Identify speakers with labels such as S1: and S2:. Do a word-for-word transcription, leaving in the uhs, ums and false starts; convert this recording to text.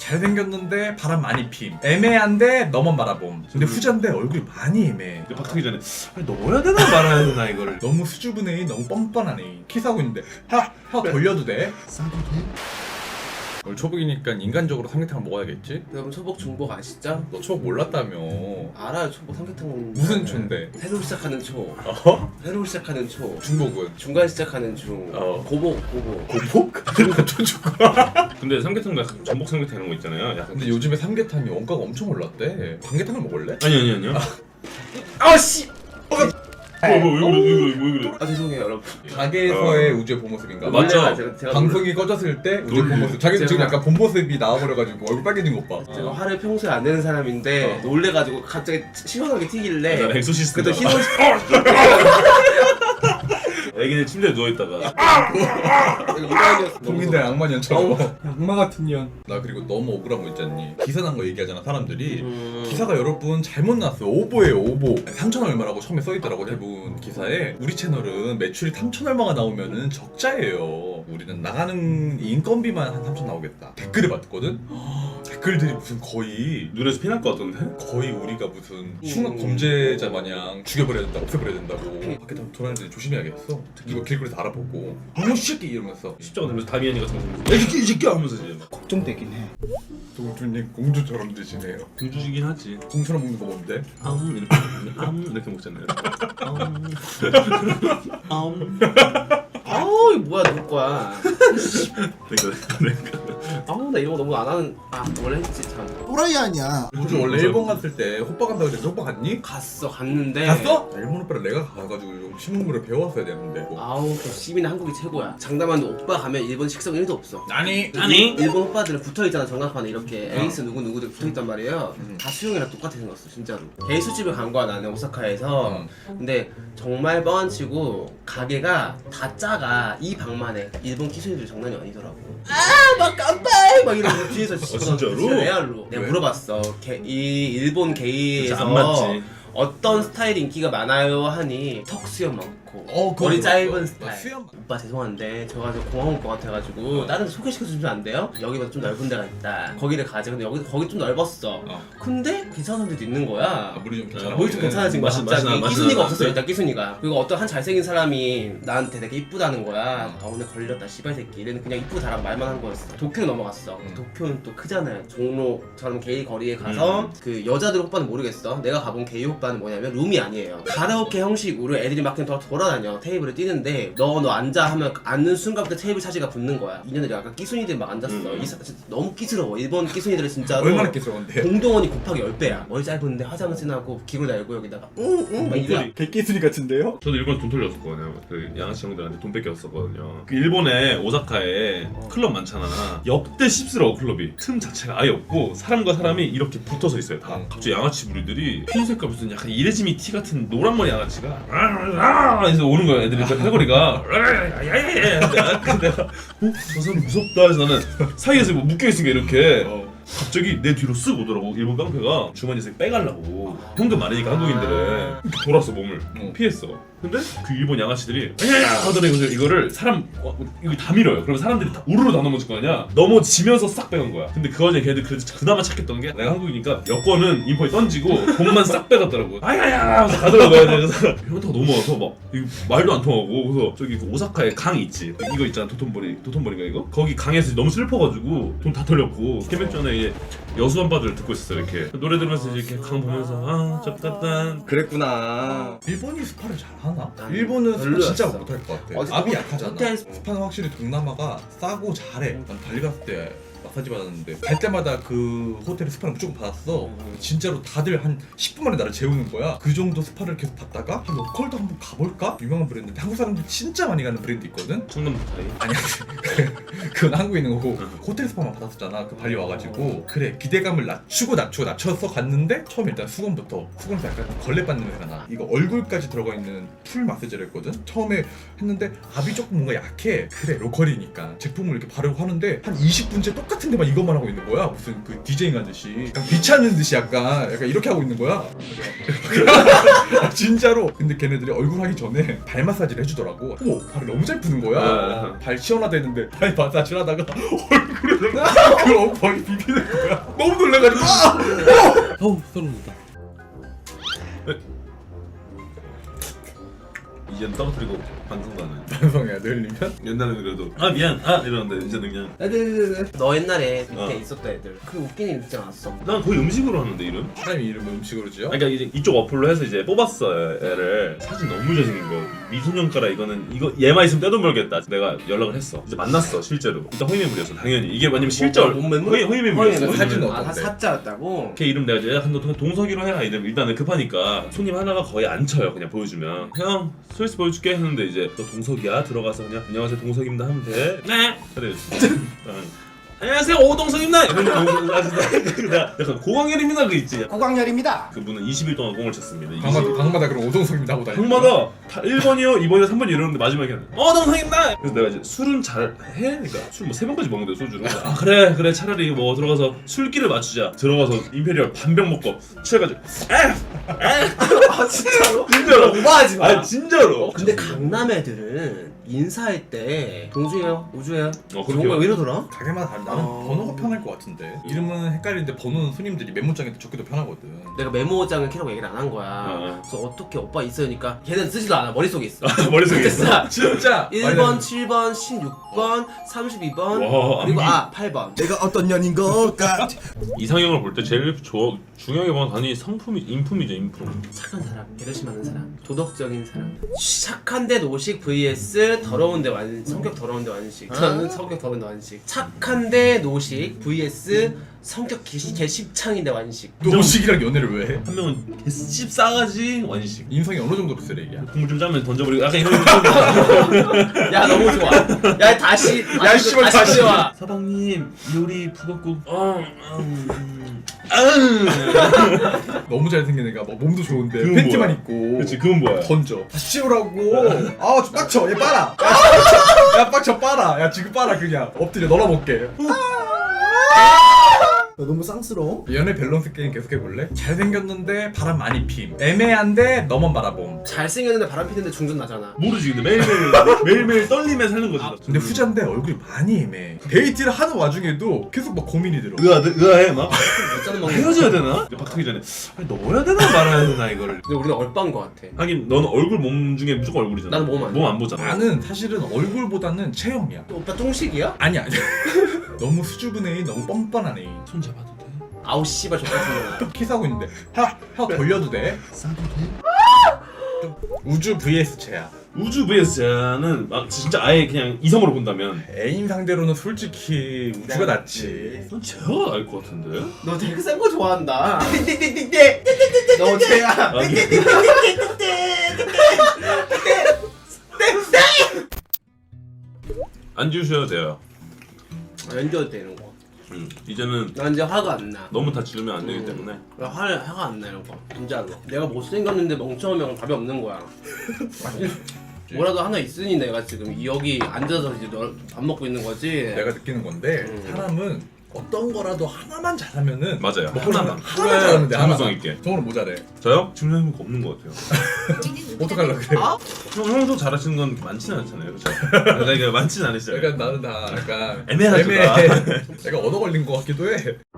S1: 잘생겼는데 바람 많이 핌. 애매한데 너만 바라봄. 근데 후자인데 얼굴이 많이 애매해.
S2: 근데 박하기 전에 아니, 넣어야 되나 말아야 되나 이거를.
S1: 너무 수줍은 애인, 너무 뻔뻔한 애인. 키스하고 있는데 하! 혀 돌려도 돼?
S3: 싸도 돼?
S1: 오늘 초복이니까 인간적으로 삼계탕을 먹어야겠지?
S4: 여러분 초복 중복 아시죠?
S1: 너 초복 몰랐다며.
S4: 알아요. 초복 삼계탕
S1: 무슨 초인데?
S4: 새로 시작하는 초.
S1: 어?
S4: 새로 시작하는 초.
S1: 중복은?
S4: 중간 시작하는 중.
S1: 어.
S4: 고복 고복.
S1: 고복? 초초고.
S2: 근데 삼계탕도 약간 전복 삼계탕 이런 거 있잖아요. 약간.
S1: 근데 요즘에 삼계탕이 원가가 엄청 올랐대. 삼계탕을 먹을래?
S2: 아니 아니 아니요.
S4: 아씨.
S2: 뭐야 뭐야 왜 그래 왜 그래 왜 그래.
S4: 아 죄송해요 여러분.
S1: 가게에서의 우주의 본 모습인가?
S2: 맞죠?
S4: 원래가 제가, 제가
S1: 방송이 꺼졌을 때 우주의 본 모습. 자기 지금
S4: 제가-
S1: 약간 본 모습이 나와버려가지고 얼굴 빨개진 것 봐.
S4: 제가 화를 평소에 안 내는 사람인데
S1: 어.
S4: 놀래가지고 갑자기 시원하게 튀길래
S2: 나 엑소시스트.
S4: 그래도 희노
S2: 애기는 침대에 누워 있다가
S4: 이라이었어.
S1: 국민들 악마년처럼.
S4: 어우.
S3: 악마 같은 년.
S1: 나 그리고 너무 억울한 거 있잖니. 기사 난 거 얘기하잖아 사람들이.
S4: 음.
S1: 기사가 여러분 잘못 났어. 오보예요 오보. 삼천 얼마라고 처음에 써있더라고 대부분 기사에. 우리 채널은 매출이 삼천 얼마가 나오면은 적자예요. 우리는 나가는 인건비만 한 삼천 나오겠다. 댓글을 봤거든? 댓글들이 무슨 거의
S2: 눈에서 피날 것 같던데.
S1: 거의 우리가 무슨 흉악 범죄자 마냥 죽여버려야 된다, 없애버려야 된다고. 밖에 다 돌아다니는데 조심해야겠어. 이거 길거리에서 알아보고 어머 새끼 이러면서
S2: 십자가 들면서 다미안이 같은 거 보면서 야 이새끼 이 새끼야 하면서 이제 막
S3: 걱정되긴 해.
S1: 동주님 공주처럼 드시네요.
S2: 공주시긴 하지.
S1: 공주처럼 먹는 거 뭔데?
S2: 아음 이렇게 아음 이렇게 먹잖아요. 아음 아음
S4: 아우 이거 뭐야 누구 거야.
S2: 그러니까 그러니까
S4: 아우 나 이런 거 너무 안 하는. 아 원래 했지 참.
S3: 또라이 아니야.
S1: 공주 원래 일본 갔을 때 호빠 간다고 해서 호빠 갔니?
S4: 갔어 갔는데.
S1: 갔어? 일본 오빠를 내가 가가지고 좀 신문물을 배워왔어야 되는데 뭐.
S4: 아우 시민은 한국이 최고야. 장담하는데 오빠 가면 일본 식성 일도 없어.
S1: 아니
S2: 아니
S4: 일본 오빠들은 붙어있잖아 정각판에 이렇게
S1: 어.
S4: 에이스 누구 누구들 붙어있단 말이에요.
S1: 음.
S4: 다 수영이랑 똑같이 생겼어 진짜로. 게이 술집을 간 거야 나는 오사카에서.
S1: 음.
S4: 근데 정말 뻥치고 가게가 다 작아. 이 방만해. 일본 키스들이 장난이 아니더라고. 아막 깜빡 막 이러고 뒤에서
S2: 진짜로?
S4: 진짜 레알로. 내가
S1: 왜?
S4: 물어봤어. 게, 이 일본 게이에서
S2: 안 맞지.
S4: 어떤 스타일이 인기가 많아요 하니 턱 수염 많고
S1: 어, 그거
S4: 머리
S1: 들었어.
S4: 짧은
S1: 나
S4: 스타일.
S1: 수염
S4: 오빠 죄송한데 저가 좀 공항 올 것 같아가지고
S1: 어.
S4: 다른 데 소개시켜주시면 안 돼요? 여기보다 좀 넓은 데가 있다. 거기를 가자. 근데 여기 거기 좀 넓었어.
S1: 어.
S4: 근데 괜찮은 사람들도 있는 거야.
S1: 아, 물이 좀 괜찮아.
S4: 머리 좀 괜찮아진 거야
S2: 맛이-
S4: 갑자기.
S2: 맛이 나, 맛이
S4: 끼순이가
S2: 나.
S4: 없었어 일단 끼순이가. 그리고 어떤 한 잘생긴 사람이 나한테 되게 이쁘다는 거야.
S1: 음.
S4: 아 오늘 걸렸다 씨발 새끼. 얘는 그냥 이쁘고 잘한 말만 한 거였어. 도쿄로 넘어갔어.
S1: 음.
S4: 도쿄는 또 크잖아요. 종로처럼 게이 거리에 가서
S2: 음.
S4: 그 여자들 오빠는 모르겠어. 내가 가본 게이 오빠는 뭐냐면 룸이 아니에요. 가라오케 형식으로 애들이 막 그냥 더 돌아다녀. 테이블을 뛰는데 너 너 앉아 하면 앉는 순간부터 테이블 차지가 붙는 거야. 이년들이 약간 끼순이들 막 앉았어.
S2: 음.
S4: 이 사, 진짜 너무 끼스러워. 일본 끼순이들은 진짜로
S1: 얼마나 끼스러운데?
S4: 공동원이 곱하기 십 배야. 머리 짧은데 화장을 진하고 기고 달고 여기다가 응응 막 이래.
S2: 목소리.
S3: 개끼순이 같은데요?
S2: 저도 일본에 돈 털렸었거든요. 그 양아치 형들한테 돈 뺏겼었거든요. 그 일본에 오사카에 클럽 많잖아. 역대 씹스러워 클럽이. 틈 자체가 아예 없고 사람과 사람이 이렇게 붙어서 있어요 다.
S1: 음.
S2: 갑자기 양아치 무리들이 흰색깔 무슨 약간 이레지미 티 같은 노란 머리 양아치가 아 해서 오는 거야. 애들이 팔걸이가 야야야야. 근데 내가 어? 저 사람 무섭다 해서 나는 사이에서 뭐 묶여있으니까 이렇게
S1: 어.
S2: 갑자기 내 뒤로 쓱 오더라고. 일본 깡패가 주머니에서 빼가려고. 현금 많으니까 한국인들은 이렇게 돌았어 몸을.
S1: 어.
S2: 피했어. 근데 그 일본 양아치들이 야야야 하더니 이거를- 이거를 사람 어, 이거 다 밀어요. 그러면 사람들이 다 우르르 다 넘어질 거 아니야. 넘어지면서 싹 빼간 거야. 근데 그 와중에 걔들 그, 그나마 착했던 게 내가 한국이니까 여권은 인포에 던지고 돈만 싹 빼갔더라고. 아야야 하면서 가더라고요. 그래서 현타가 넘어와서 막 이거 말도 안 통하고. 그래서 저기 그 오사카에 강 있지. 이거 있잖아 도톤보리. 도톤보리가 이거? 거기 강에서 너무 슬퍼가지고 돈 다 털렸고 캠핑 전에 이제 여수 한바들 듣고 있었어. 이렇게 노래 들으면서 이렇게 강 보면서 아 접갔단.
S4: 그랬구나.
S1: 일본이 스파를 잘하나?
S4: 나는
S1: 일본은 스파
S4: 별로였어.
S1: 진짜 못할 것 같아.
S4: 어디-
S1: 압이
S4: 호텔-
S1: 약하잖아.
S4: 호텔-
S1: 스파는 확실히 동남아가 싸고 잘해. 난 발리 갔을 때 마사지 받았는데 갈 때마다 그 호텔에 스파를 무조건 받았어.
S4: 음.
S1: 진짜로 다들 한 십 분 만에 나를 재우는 거야. 그 정도 스파를 계속 받다가 한 로컬도 한번 가볼까? 유명한 브랜드인데 한국 사람들 진짜 많이 가는 브랜드 있거든?
S2: 청담 스타일.
S1: 아니야 그건 한국에 있는 거고
S2: 응.
S1: 호텔 스파만 받았었잖아 그 발리 와가지고. 그래 기대감을 낮추고 낮추고 낮춰서 갔는데 처음에 일단 수건부터 수건에서 약간 걸레받는 냄새가 나. 이거 얼굴까지 들어가 있는 풀 마사지를 했거든? 처음에 했는데 압이 조금 뭔가 약해. 그래 로컬이니까 제품을 이렇게 바르고 하는데 한 이십 분째 똑같아. 똑같은 데만 이것만 하고 있는 거야. 무슨 그 디제잉 하듯이 약간 귀찮은 듯이 약간 약간 이렇게 하고 있는 거야. 아, 진짜로. 근데 걔네들이 얼굴 하기 전에 발 마사지를 해주더라고. 어머 발이 너무 잘 푸는 거야.
S2: 아.
S1: 발 시원하다했는데 발 마사지를 하다가 얼굴에 그 엉덩이 비비는 거야. 너무 놀라가지고 아!
S2: 어우 소름 돋다. 이제는 떨어뜨리고 방송도 안 해.
S1: 반성해야 돼 흘리면.
S2: 옛날에는 그래도 아 미안 아 이러는데 이제는 그냥
S4: 너 옛날에 밑에
S2: 어.
S4: 있었던 애들 그 웃긴 일 있지 않았어?
S2: 난 거의 음식으로 하는데 이름.
S1: 사람이 이름을 음식으로 지어?
S2: 그러니까 이제 이쪽 어플로 해서 이제 뽑았어 애를. 사진 너무 잘생긴 거. 미소년가라 이거는 이거 얘만 있으면 떼돈 벌겠다. 내가 연락을 했어. 이제 만났어 실제로. 일단 허위매물이었어 당연히. 이게 왜냐면 실제
S4: 뭐, 뭔 매물?
S2: 허위 허위매물이었어.
S4: 허위매물.
S1: 사진은
S4: 아,
S1: 어떤데?
S4: 사짜였다고?
S2: 걔 이름 내가 이제 한번 동석이로 해라 이름. 일단은 급하니까 손님 하나가 거의 안 쳐요. 그냥 보여주면 형 스위스 보여줄게 했는데 이제 너 동석이야 들어가서 그냥 안녕하세요 동석입니다 하면 돼. 네. 그래. 안녕하세요 오동석입니다. 이러면 아 진짜 내가 약간 고광렬입니다 그 있지.
S3: 고광렬입니다.
S2: 그분은 이십 일 동안 공을 쳤습니다.
S1: 방마다 방마다 그런 오동석입니다 하고 다니는
S2: 방마다 다 일 번이요, 이 번이요, 삼 번이요 이러는데 마지막에 어 동석입니다. 그래서 내가 이제 술은 잘 해? 그러니까 술 뭐 세 번까지 먹는데 소주로. 아 그래 그래 차라리 뭐 들어가서 술기를 맞추자. 들어가서 임페리얼 반병 먹고 취해가지고
S4: 아 진짜로?
S2: 진짜로.
S4: 오버하지 마.
S2: 아 진짜로.
S4: 근데 강남 애들은 인사할 때 동주예요, 우주예요.
S2: 어, 그렇게
S4: 정말 왜 이러더라?
S1: 가게마다 다르. 나는
S4: 어.
S1: 번호가 편할 것 같은데. 이름은 헷갈리는데 번호는 손님들이 메모장에 적기도 편하거든.
S4: 내가 메모장을 키라고 얘기를 안 한 거야.
S2: 어.
S4: 그래서 어떻게 오빠 있으니까 걔는 쓰지도 않아. 머릿속에 있어.
S2: 머릿속에 있어.
S4: 됐어.
S1: 진짜.
S4: 일 번, 칠 번, 십육 번, 삼십이 번,
S2: 와,
S4: 그리고
S2: 암기.
S4: 아 팔 번.
S3: 내가 어떤 년인 걸까?
S2: 이상형을 볼 때 제일 조, 중요하게 보는 단위 성품이 인품이죠 인품.
S4: 착한 사람, 배려심 많은 사람, 도덕적인 사람. 착한데 노식 vs 더러운데 완 성격 더러운데 완식. 저는 성격 더러운데 완식. 착한데 노식 vs 성격 개시, 개십창인데 완식.
S1: 노식이랑 연애를 왜 해?
S2: 한 명은 개씹 싸가지 완식.
S1: 인성이 어느 정도로 쓰레기야?
S2: 국물 좀 짜면 던져버리고 약간 이런.
S4: 야 너무 좋아. 야 다시
S1: 야, 씨발, 다시.
S4: 와.
S2: 사방님 요리 북엇국. 어, 음, 음. 아으.
S1: 너무 잘생긴 애가 막 몸도 좋은데
S2: 그건
S1: 팬티만
S2: 뭐야?
S1: 입고
S2: 그렇지 그건 뭐야?
S1: 던져. 다시 치우라고. 아, 좀 빡쳐. 얘 빨아. 야, 야, 빡쳐 빨아. 야, 지금 빨아 그냥. 엎드려 널어볼게.
S3: 너 너무 쌍스러워.
S1: 연애 밸런스 게임 계속 해볼래? 잘생겼는데 바람 많이 핌. 애매한데 너만 바라봄.
S4: 잘생겼는데 바람 피는데 중전 나잖아.
S2: 모르지 근데 매일매일 매일매일 떨림에 사는 거지.
S1: 근데 후자인데 얼굴이 많이 애매해. 데이트를 하는 와중에도 계속 막 고민이 들어.
S2: 의아 의아해 막.
S4: 몇 잔은 먹는
S2: 헤어져야 되나? 박하기 전에 아니, 넣어야 되나 말아야 되나 이거를.
S4: 근데 우리는 얼빠인 거 같아.
S2: 하긴 너는 얼굴 몸 중에 무조건 얼굴이잖아.
S4: 나는 몸 안
S2: 몸 안 보잖아.
S1: 나는 사실은 얼굴보다는 체형이야.
S4: 오빠 똥식이야?
S1: 아니야. 너무 수줍은 애인, 너무 뻔뻔한 애인.
S2: 손 잡아도 돼?
S4: 아우 씨발 족같은
S1: 키스하고 있는데 혀, 혀 돌려도 돼?
S2: 싸도 돼?
S1: 좀 우주 vs 채야.
S2: 우주 vs는 막 진짜 아예 그냥 이성으로 본다면
S1: 애인 상대로는 솔직히 우주가 낫지.
S2: 넌 제가 알 것 같은데?
S4: 너 되게 센 거 좋아한다. 띵띵띵띵띵. 너 쟤야.
S2: 아, 이게 안 지우셔도 돼요.
S4: 연결 되는 거.
S2: 음, 이제는
S4: 나 이제 화가 안 나.
S2: 너무 다 지르면 안 되기
S4: 음.
S2: 때문에.
S4: 나 화, 화가 안 나 이런 거. 진짜로. 내가 못생겼는데 멍청하면 답이 없는 거야. 뭐라도 하나 있으니 내가 지금 여기 앉아서 이제 너 밥 먹고 있는 거지.
S1: 내가 느끼는 건데
S4: 음.
S1: 사람은 어떤 거라도 하나만 잘하면은
S2: 맞아요.
S1: 먹고 싶은
S2: 하나만.
S1: 거 하나만 잘하면 돼.
S2: 전문성
S1: 하나만.
S2: 있게.
S1: 정으로 모자래.
S2: 저요? 질문해본 거 없는 것 같아요.
S1: 어떡하려 그래?
S4: 아?
S2: 형, 형도 잘하시는 건 많지는 않잖아요, 그렇죠? 그러니까 많지는 않으시죠.
S1: 그러니까 나는 다 약간
S2: 애매하죠,
S1: 애매해. 내가 얻어 걸린 거 같기도 해.